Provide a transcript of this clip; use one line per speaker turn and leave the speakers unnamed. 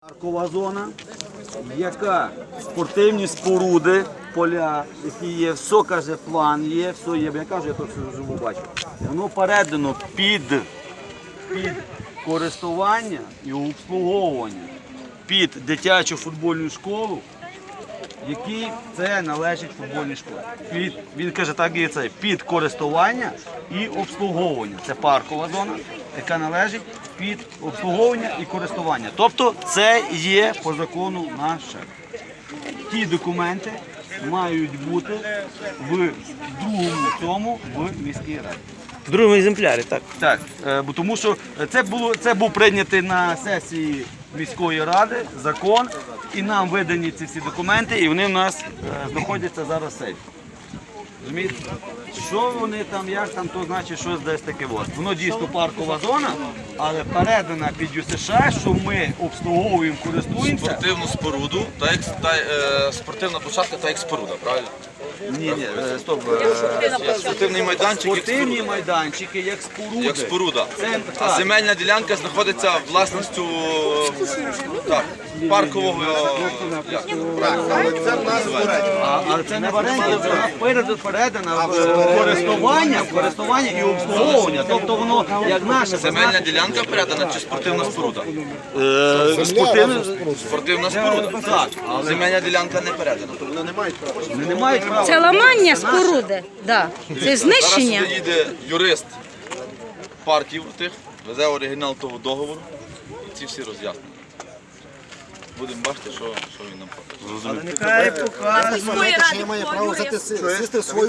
Паркова зона, яка спортивні споруди, поля, які є, все, каже, план є, все є, я кажу, я то все живу бачу. Воно передано під користування і обслуговування під дитячу футбольну школу, якій це належить футбольній школі. Він каже, так і це, під користування і обслуговування. Це паркова зона, яка належить під обслуговування і користування. Тобто це є по закону наше. Ті документи мають бути в другому в міській раді.
В другому екземплярі, так?
Так, бо тому що це був прийнятий на сесії міської ради закон, і нам видані ці всі документи, і вони в нас знаходяться зараз в сейфі. Розумієте? Що вони там, як там, то значить щось десь таке. Воно дійсно паркова зона, але передана під ЮСШ, що ми обслуговуємо, користуємося.
Спортивну споруду, спортивна площадка та як споруда, правильно?
Ні, стоп.
Спортивний майданчик
Спортивні майданчики, як споруди.
як споруда.
Це,
А
так.
земельна ділянка знаходиться власністю паркового.
Але це не в оренді, вона передана в користування і обслуговування. Тобто воно як наше.
Земельна ділянка передана чи спортивна споруда? Спортивна споруда.
Так.
А земельна ділянка не передана.
Вони не мають права.
Це ламання споруди, да. Це знищення.
Зараз сюди їде юрист парків тих, везе оригінал того договору і ці всі роз'яснення. Будемо бачити, що він нам покаже.
Але нехай покаже.
Має право сісти в свою